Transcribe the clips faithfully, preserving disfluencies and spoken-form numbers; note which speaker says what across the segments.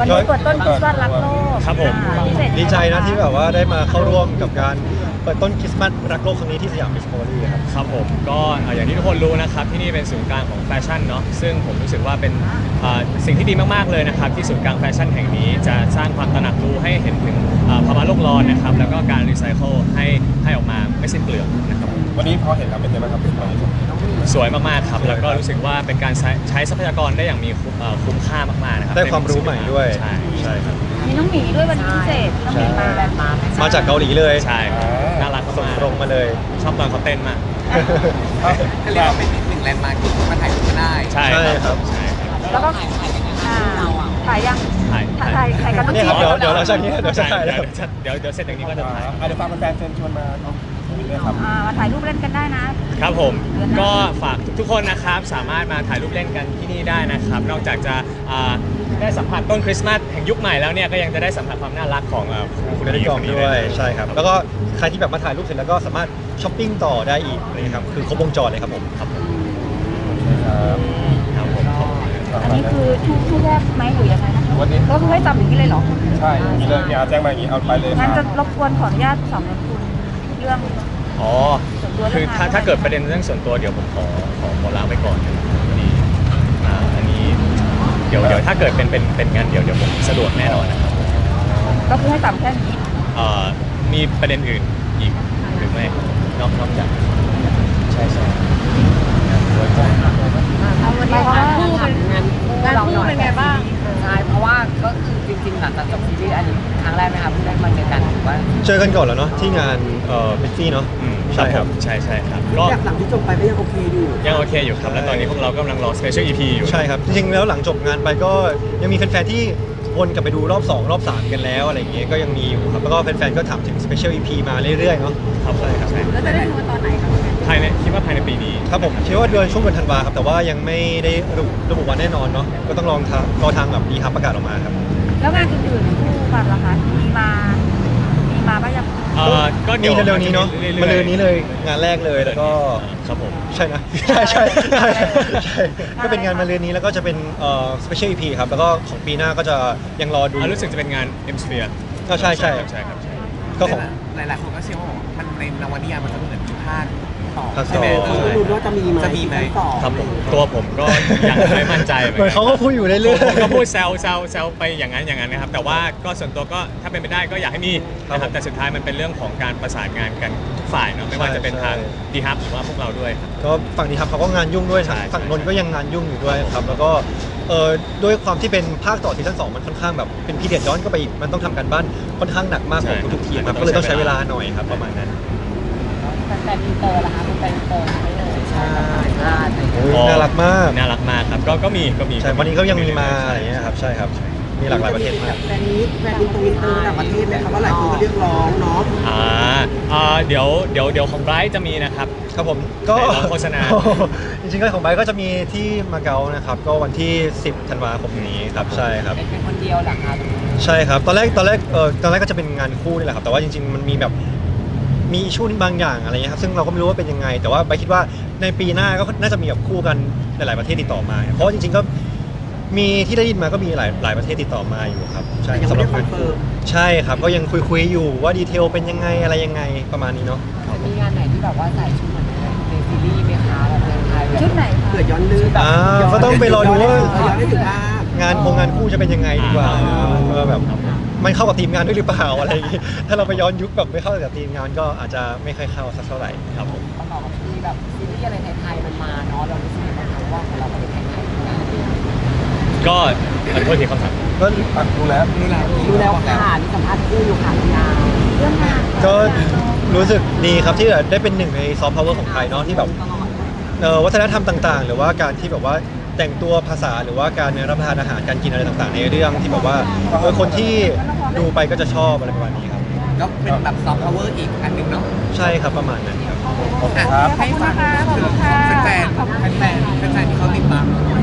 Speaker 1: วันนี้เปิดต้นคริสต์มาสรักโลก
Speaker 2: ครับผม
Speaker 1: พิเศษ
Speaker 3: ดีใจนะที่แบบว่าได้มาเข้าร่วมกับการเปิดต้นคริสต์มาสรักโลกครั้งนี้ที่สยามดิสคัฟเวอรี่ครับ
Speaker 2: ครับผมก็เอ่ออย่างที่ทุกคนรู้นะครับที่นี่เป็นศูนย์กลางของแฟชั่นเนาะซึ่งผมรู้สึกว่าเป็นเอ่อสิ่งที่ดีมากๆเลยนะครับที่ศูนย์กลางแฟชั่นแห่งนี้จะสร้างความตระหนักรู้ให้เห็นถึงเอ่อภาวะโลกร้อนนะครับแล้วก็การรีไซเคิลให้ให้ออกมาไม่สิ้นเปลืองนะครับ
Speaker 4: วันนี้พอเห็นแล้วเป็นยังไงบ้างครับเป็นความรู้สึก
Speaker 2: สวยมากๆครับแล้วก็รู้สึกว่าเป็นการใช้ใช้ทรัพยากรได้อย่างมีคุ้มเอ่อคุ้มค่ามากๆนะครับ
Speaker 3: ได้ความรู้ใหม่ด้วย
Speaker 2: ใช่
Speaker 3: ใช่ครับ
Speaker 1: มีน้องหมีด้วยวันนี้พิเศษน้องหมีมาแบบมา
Speaker 3: มาจากเกาหลีเลย
Speaker 2: ใช่น่ารัก
Speaker 3: ส่ง
Speaker 2: มาก
Speaker 3: ตรงมาเลย
Speaker 2: ชอบตอนเขาเต้นมาก
Speaker 5: ก็เรียกว่าเป็นอีกหนึ่งแลนด์มาร์คที่มาถ่ายรูปกันได้
Speaker 2: ใช่
Speaker 3: ใช่ครับ
Speaker 2: ใช่ครับ
Speaker 1: แล้วก็อ่าถ่ายยัง
Speaker 2: ถ่าย
Speaker 1: ถ่ายถ่ายถ่ายกันต้อง
Speaker 3: เนี่ยครับ
Speaker 1: จี
Speaker 3: เดี๋ยวเดี๋ยวเราจะนี้เดี๋ยวจะ
Speaker 2: ใช่
Speaker 3: ถ่าย
Speaker 2: เดี๋
Speaker 3: แล้
Speaker 2: ยว วเดี๋ยวเดี๋ยวเสร็จจากนี้ก็จะถ่าย
Speaker 4: อ่ะเดี๋ยวฟังแฟนๆเชิญชวนมาตรงนี้ด้วยครับ
Speaker 1: อ่ามาถ่ายรูปเล่นกันได้นะ
Speaker 2: ครับผมก็ฝากทุกๆคนนะครับสามารถมาถ่ายรูปเล่นกันที่นี่ได้นะครับ นอกจากจะอ่าได้สัมผัสต้นคริสต์มาสแห่งยุคใหม่แล้วเนี่ยก็ยังจะได้สัมผัสความน่ารักของเอ่อคุณ
Speaker 3: เป็น
Speaker 2: พี่
Speaker 3: กล่อง
Speaker 2: คนนี้
Speaker 3: ด้วยใช่ครับ แล้วก็ใครที่แบบมาถ่ายรูปเสร็จแล้วก็สามารถช้อปปิ้งต่อได้อีกเลยครับคือครบวงจรเลยครับผม
Speaker 2: ครับผม
Speaker 4: ครับ
Speaker 2: ครับผมขอบคุณครับ
Speaker 1: อันนี้คือช่วงช่วงแรกไหมหรือยังไงนะคะ
Speaker 4: วันนี้
Speaker 1: ก็คือให้จำอย่างนี้เลยเหรอ
Speaker 4: ใช่มีเลยมีอาแจ้งมาอย่างนี้เอาไปเลยค
Speaker 1: งั้น
Speaker 4: รั
Speaker 1: จะ
Speaker 4: บ
Speaker 1: รบกวนขออนุญาตสอบถามคุณเรื่อง
Speaker 2: อ๋อ
Speaker 1: ส่วนตัว
Speaker 2: คือถ้า
Speaker 1: เรื่องงาน
Speaker 2: ถ้าเกิดประเด็นเรื่องส่วนตัวเดี๋ยวผมขอขอขอลาไปก่อนนะครับพอดีอ่าอันนี้เดี๋ยวเดี๋ยวถ้าเกิดเป็นเป็นเป็นงานเดี๋ยวเดี๋ยวผมสะดวกแน่นอนนะครับ
Speaker 1: ก็คือให้จำแค่นี้
Speaker 2: เอ่อมีประเด็นอื่นอีกหรือไม่นอกนอกจากใช่ใช่ครับไว้ใจ
Speaker 1: เอาวันนี้งานคู่เป็น
Speaker 5: งานคู่
Speaker 1: งานคู่เป็นไงบ้าง
Speaker 5: ใช่เพราะว่าก็คือจริงๆหลังจากจบซีรีส์อันนี้ครั้งแรกไหมครับเพิ่งได้มาเจอกันหรือว่า
Speaker 3: เจอกันก่อนแล้วเนาะที่งานเอ่อบิฟฟี่เนาะ
Speaker 2: อืม
Speaker 3: ใช่ครับ
Speaker 2: ใช่ใช่ครับก็
Speaker 6: จากหลังที่จบไปก็ยังโอเคอยู่
Speaker 2: ยังโอเคอยู่ครับ แล้วตอนนี้พวกเรากำลังรอ Special อี พี อยู่
Speaker 3: ใช่ครับ จริงๆแล้วหลังจบงานไปก็ยังมีแฟนๆที่วนกลับไปดูรอบสองรอบสามกันแล้วอะไรอย่างเงี้ยก็ยังมีอยู่ครับแล้วก็แฟนๆก็ถามถึง Special อี พี มาเรื่อยๆเนาะ
Speaker 2: ครับผม
Speaker 3: ใช่ครับ
Speaker 2: ใช่
Speaker 1: แล้วจะได้ดูตอนไหนครับ
Speaker 2: ภายในคิดว่าภายในปีนี้
Speaker 3: ครับผมคิดว่าเดือนช่วงเดือนธันวาครับแต่ว่ายังไม่ได้ระบุระบุวันแน่นอนเนาะก็ต้องลองทางรอทางแบบดีครับประกาศออกมาครับ
Speaker 1: แล้วงานอื่นๆคู่กันล่ะคะมีมา มีมาบ้างยัง
Speaker 2: เอ่อก็
Speaker 3: มี
Speaker 2: เดี๋ยว
Speaker 3: เร็วๆนี้เนาะ
Speaker 2: รื่อยๆ
Speaker 3: มาเร็วนี้เลยงานแรกเลยแล้วก็
Speaker 2: ครับผม
Speaker 3: ใช่นะ ใช่ใช่ใช่ใช่ก็เป็นงานมาเรือนนี้แล้วก็จะเป็นเอ่อ Special อี พี ครับแล้วก็ของปีหน้าก็จะยังรอดู
Speaker 2: อ่ารู้สึกจะเป็นงาน M Sphere
Speaker 3: ก็ใช่ใช่
Speaker 2: ใช่ครับใช่
Speaker 3: ก็ของ
Speaker 5: หลายๆคนก็เชื่อว่ามันในนวนิยายมันจะเหมือนมีภาคต่อ
Speaker 3: ภาคต่อ
Speaker 5: ใช่ไหม
Speaker 6: คนก็รู้ว่าจะมีไหม
Speaker 5: จะมีไหม
Speaker 6: ซีซั่นต่อ
Speaker 2: ครับผมตัวผมก็ยังไม่มั่นใจ
Speaker 3: เหมือนเขาก็พูดอยู่เรื่อย
Speaker 2: ผมก็
Speaker 3: ๆ
Speaker 2: พูดแซวแซวแซวไปอย่างนั้นอย่างนั้นนะครับ แต่ว่าก็ส่วนตัวก็ถ้าเป็นไปได้ก็อยากให้มีนะค
Speaker 3: ครั
Speaker 2: รั
Speaker 3: บบ ผม
Speaker 2: แต่สุดท้ายมันเป็นเรื่องของการประสานงานกันทุกฝ่ายเนาะไม่ว่าจะเป็นทางดีฮับหรือว่าพวกเราด้วยครับ
Speaker 3: ก็ฝั่งนี้ครับเขาก็งานยุ่งด้วย
Speaker 2: ใช่
Speaker 3: ฝั่งนนท์ก็ยังงานยุ่งอยู่ด้วยครับแล้วก็เอ่อด้วยความที่เป็นภาคต่อซีซั่นสองมันค่อนข้างแบบเป็นพีเดียดย้อนก็ไปอีกมันต้องทำการบ้านค่อนข้างหนักมากของทุกๆทีมครับก็เลยต้องใช้เวลาหน่อยครับประมาณนั้น
Speaker 5: แฟนอินเตอร์นะคะเป็นแฟนอินเตอร์ไม่เลยใช่ใช่
Speaker 3: โอ้ยน่ารักมาก
Speaker 2: น่ารักมากครับก็ก็มีก็มี
Speaker 3: ใช่วันนี้ก็ยังมีมาอะไรอย่างเงี้ยครับใช่ครับมีหลากหลายประเทศมาก
Speaker 6: แฟนนี้แฟนอินเตอร์อินเตอร์ต่างประเทศไหมครับว่าหลายคนก็เรียกร้องเนาะ
Speaker 2: อ่าอ่าเดี๋ยวเดี๋ยวเดี๋ยวของไบรท์จะมีนะครับ
Speaker 3: ครับผมก็
Speaker 2: ไหนลองโฆษณา
Speaker 3: จริงๆก็ของไบค์ก็จะมีที่มาเก๊านะครับก็วันที่สิบธันวาคมนี้ครับใช่ครับ
Speaker 5: เป็นคนเดียวเหรอคะ
Speaker 3: ใช่ครับตอนแรกตอนแรกเออตอนแรกก็จะเป็นงานคู่นี่แหละครับแต่ว่าจริงๆมันมีแบบมีช่วงบางอย่างอะไรเงี้ยครับซึ่งเราก็ไม่รู้ว่าเป็นยังไง แต่ว่าไบค์คิดว่าในปีหน้าก็น่าจะมีแบบคู่กันหลายๆประเทศติดต่อมา เพราะว่าจริงๆก็มีที่ได้ยินมาก็มีหลายหลายประเทศติดต่อมาอยู่ครับใช่
Speaker 6: แต่ยัง
Speaker 3: สำ
Speaker 6: ไม่
Speaker 3: หรั
Speaker 6: ได้
Speaker 3: บ
Speaker 6: คอนเฟิร์ม
Speaker 3: ใช่ครับก็ยังคุยๆอยู่ว่าดีเทลเป็นยังไงอะไรยังไงประมาณนี้เนาะ
Speaker 5: มีงานไหนที่แบบว่าใส่ชุดเหมือนในซีรีส์ไหมคะแบบในไทย
Speaker 1: ชุดไหนคะ
Speaker 6: เผื่อย้อนนึก
Speaker 3: อ่าก็ต้องไปรอดูว่า
Speaker 6: ย้อนได้ถึงภาพ
Speaker 3: งานโครงงานคู่จะเป็นยังไงดีกว่า
Speaker 2: อ่า
Speaker 3: เออแบบมันเข้ากับทีมงานด้วยหรือเปล่าอะไรอย่างงี้ถ้าเราไปย้อนยุคแบบไม่เข้ากับทีมงานก็อาจจะไม่ค่อยเข้าสักเท่าไหร่ครับผม
Speaker 5: ประกอบกับที่แบบซีรีส์อะไรไทยๆมันมาเนาะเรารู้สึกยังไงบ้างคะว่าของเราเป็นไทยๆนะ
Speaker 2: ก็ขอโทษทีคำถาม
Speaker 3: ก็
Speaker 4: อ่ะดูแล้ว
Speaker 5: รู้แล้วรู้แล้วค่ะนี่สัมภาษณ์คู่อยู่ค่ะคุณยา
Speaker 1: เรื่องงาน
Speaker 3: ก็รู้สึกดีครับที่ได้เป็นหนึ่งในซอฟต์พาวเวอร์ของไทยเนาะที่แบบเอ่อวัฒนธรรมต่างๆ หรือว่าการที่แบบว่าแต่งตัวภาษาหรือว่าการรับประทานอาหารการกินอะไรต่างๆ ในเรื่องที่แบบว่าเออคนที่ดูไปก็จะชอบอะไรประมาณนี้ครับ
Speaker 5: ก็เป็นแบบซอฟต์พาวเวอร์อีกอันหนึ่งเนาะ
Speaker 3: ใช่ครับประมาณนั้นครับ
Speaker 4: ขอบคุณครับ
Speaker 1: ขอบคุณนะคะขอบคุณค่ะ
Speaker 5: แฟนๆแฟนๆแฟนๆที่เขาติดตามเราไว้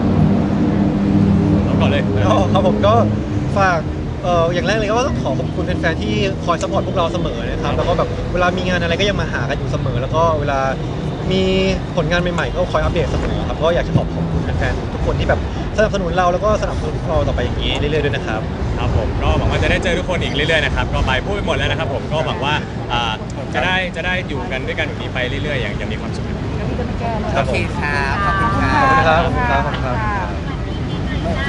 Speaker 2: เอาก่อนเลย
Speaker 3: ก็ครับผมก็ฝากเอ่ออย่างแรกเลยก็ต้องขอขอบคุณแฟนๆที่คอยสปอร์ตพวกเราเสมอนะครับแล้วก็แบบเวลามีงานอะไรก็ยังมาหากันอยู่เสมอ แล้วก็เวลามีผลงานใหม่ๆก็คอยอัปเดตเสมอครับก็อยากจะขอบคุณแฟนๆทุกคนที่แบบสนับสนุนเราแล้วก็สนับสนุนพวกเราต่อไปอย่างนี้เรื่อยๆด้วยนะครับ
Speaker 2: ครับผมก็หวังว่าจะได้เจอทุกคนอีกเรื่อยๆนะครับก็ไปพูดไปหมดแล้วนะครับผมก็หวังว่าอ่าจะได้จะได้อยู่กันด้วยกันแบบนี้ไปเรื่อยๆอย่างอย่างมีความสุข
Speaker 1: แล้วพี่จะไม่แก้เลย
Speaker 3: ครับ
Speaker 5: โอ
Speaker 3: ผม
Speaker 5: เคครับขอบคุณค
Speaker 1: ขอบ
Speaker 5: รั
Speaker 1: คุณ
Speaker 5: บ
Speaker 3: ขอบคุณครับขอบคุณครับขอบคุณครับ